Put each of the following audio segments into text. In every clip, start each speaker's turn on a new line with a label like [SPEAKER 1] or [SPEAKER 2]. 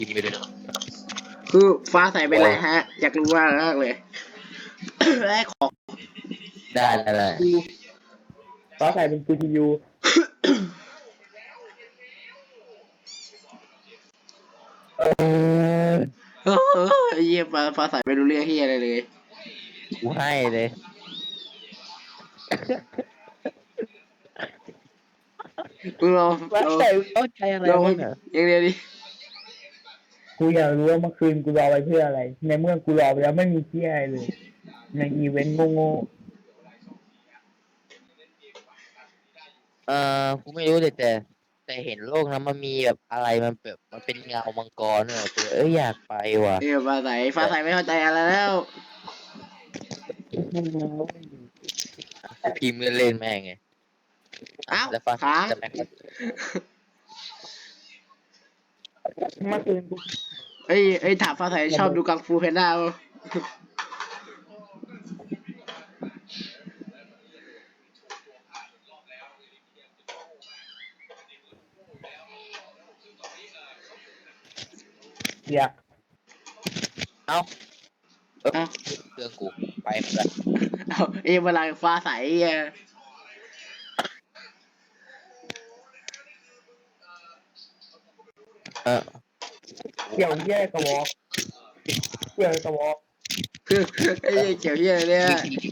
[SPEAKER 1] พิมพ์ไปเลย
[SPEAKER 2] คือฟ้าใสเป็นไรฮะ อยากรู้มากเลย แรกของ
[SPEAKER 1] ได้
[SPEAKER 3] ฟ้าใสเป็น CPU
[SPEAKER 1] เออ
[SPEAKER 2] เยี่ยมฟ้าใสไม่รู้เรื่องที่อะไรเลย
[SPEAKER 1] กูให้เลย
[SPEAKER 2] มึงลอง
[SPEAKER 1] ว่าแต่เข้าใจอะไร
[SPEAKER 2] ลอง
[SPEAKER 1] บ้างอ่ะ
[SPEAKER 2] อย่างเดียวดิ
[SPEAKER 3] กูอยากรู้ว่าเมื่อคืนกูรอไปเพื่ออะไร ในเมื่อกูรอไปแล้วไม่มีที่อะไรเลย ในอีเวนต์โง่
[SPEAKER 1] กูไม่รู้เลยแต่เห็นโลกนั้นมันมีแบบอะไรมันแบบมันเป็นเงามังกรเนี่ยกูอยากไปว่ะ
[SPEAKER 2] เออฟ้าใสไม่เข้าใจอะไรแล้ว
[SPEAKER 1] พิมพ์เล่นๆแม่งไง
[SPEAKER 2] อ้าว
[SPEAKER 1] แล้วฟ้า
[SPEAKER 2] ค้าง
[SPEAKER 1] จะแม่ง
[SPEAKER 3] ๆเมื่อคืนกู
[SPEAKER 2] เอ้ยถามฟ้าใสชอบดูกังฟูเพนด้าป่ะ
[SPEAKER 3] อยาก
[SPEAKER 1] เอ้าเรื่องกูไปหมดละ
[SPEAKER 2] เอาเวลาฟ้าใสอ่ะ
[SPEAKER 3] เกี่ยวเยี่ยกระบอกเกี่ยวกระบอก
[SPEAKER 2] ไอ้เกี่ยวเหี้ยอะไรเนี่ย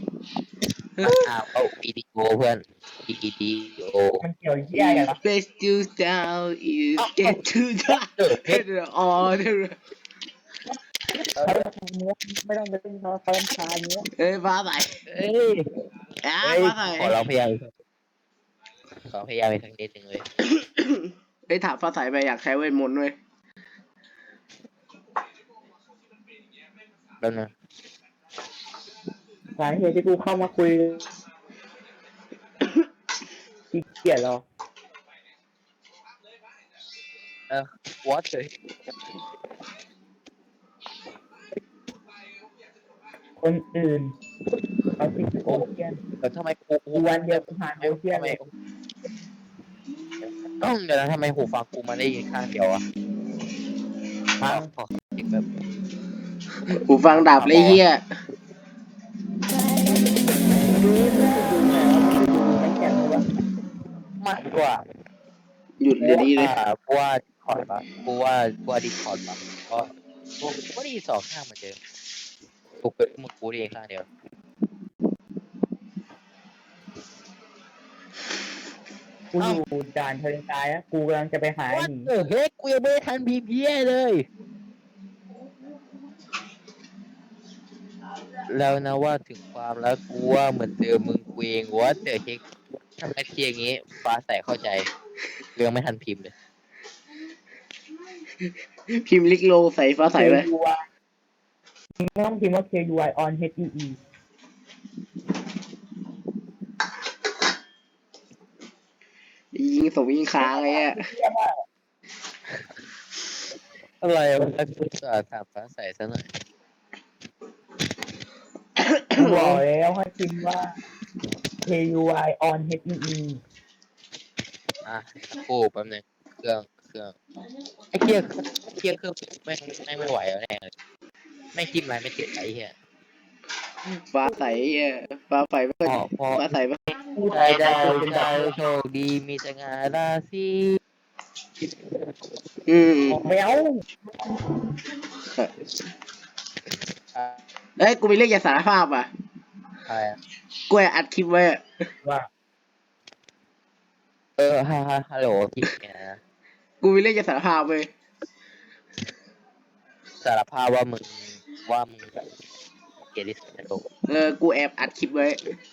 [SPEAKER 1] เอาวิดีโอเพื่อนวิดีโอ
[SPEAKER 3] มันเกี่ยวเยี่ยกันเหรอ
[SPEAKER 2] Let's do down you get to the order
[SPEAKER 3] เขาทำเนื้อไม่ต้องไปเป็นเขาทำชาเนื้อ
[SPEAKER 2] เอ้ยฟ้าใส
[SPEAKER 1] เอ้ย
[SPEAKER 2] ฟ้าใส
[SPEAKER 1] ขอเราพยายามอีกสักนิดหนึ่งเลย
[SPEAKER 2] เอ้ยถามฟ้าใสไปอยากใช้เวทมนต์ด้วย
[SPEAKER 1] แล้วนะ
[SPEAKER 3] สาเหตุที่กูเข้ามาคุยขี้เกียจหรอ
[SPEAKER 1] what เลย
[SPEAKER 3] คนอื่นเขาติดโอเชียน
[SPEAKER 1] แต่ทำไมกู
[SPEAKER 3] กูวันเดียวกูผ่านโอเชียน
[SPEAKER 1] ทำไม
[SPEAKER 3] เลย
[SPEAKER 1] เดี๋ยวนะทำไมหูฟังกูมาได้ยินข้างเดียวอะขอเสียงแบบ
[SPEAKER 2] หูฟังดับเลยเฮีย
[SPEAKER 1] มากกว่า
[SPEAKER 2] หยุดเดี๋ยวนี้เลย
[SPEAKER 1] กูว่าดิคอร์ดปะกูว่าดิคอร์ดปะเพราะกูได้ยินสองข้างเหมือนเดิมกูเป็นมึงกูได้ยินข้างเดียว
[SPEAKER 3] กูอยู่ด่านทะเลทรายอะกูกำลังจะไปหาไอ้
[SPEAKER 1] What
[SPEAKER 3] หนี
[SPEAKER 1] the heck กูยังไม่ได้ทันพิมพ์เพี้ยเลย แล้วนะว่าถึงความแล้วกูว่าเหมือนเดิมมึงกูเองว่าเจอเฮกทำไมเทียอย่างงี้ฟ้าใสเข้าใจเรื่องไม่ทันพิมพ์เลย
[SPEAKER 2] พิมพ์ลิกโลใส่ฟ้าใสไป
[SPEAKER 3] มึงต้องพิมพ์ว่า KUI on HEE
[SPEAKER 2] ยิงส่งยิงค้างไอ้เนี่ย
[SPEAKER 1] อะไรวะกูจะถามฟ้าใสซะหน่อย
[SPEAKER 3] กูบอกแล้วให้พิมพ์ว่า KUI on HEE
[SPEAKER 1] กูแป๊บนึงเครื่องไอ้เครื่องไม่ไหวแล้วแน่เลยไม่จิ้มอะไรไม่ติดไอ้เหี้ย
[SPEAKER 2] ฟ้าใสฟ้าใสไม่ค่อย
[SPEAKER 1] พอ
[SPEAKER 2] ฟ้าใสไม่
[SPEAKER 1] ได้โชคดีมีสง่าราศี
[SPEAKER 3] ไม่เอา
[SPEAKER 2] เอ้ยกูมีเรื่องอยากสารภาพอ่ะ
[SPEAKER 1] อะไร
[SPEAKER 2] กูแอบอัดคลิปไว้อะ
[SPEAKER 3] ว่า
[SPEAKER 1] ฮัลโหลพี่เนี่ยนะ
[SPEAKER 2] กูมีเรื่องอยากสารภาพเว้ย
[SPEAKER 1] สารภาพว่ามึงแบบเกลียดดิสโต
[SPEAKER 2] กูแอบอัดคลิปไว้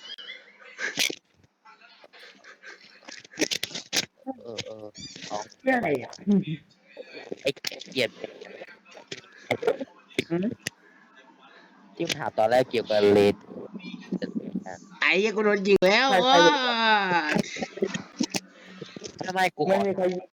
[SPEAKER 1] เอา
[SPEAKER 3] เรื่องอะไรอ่ะ
[SPEAKER 1] ไอ้เกลียดที่มึงถามตอนแรกเกี่ยวกับเลด
[SPEAKER 2] ไอ้ยังกูโดนยิงแล้ว
[SPEAKER 1] ทำไมกู
[SPEAKER 3] ไม่มีใคร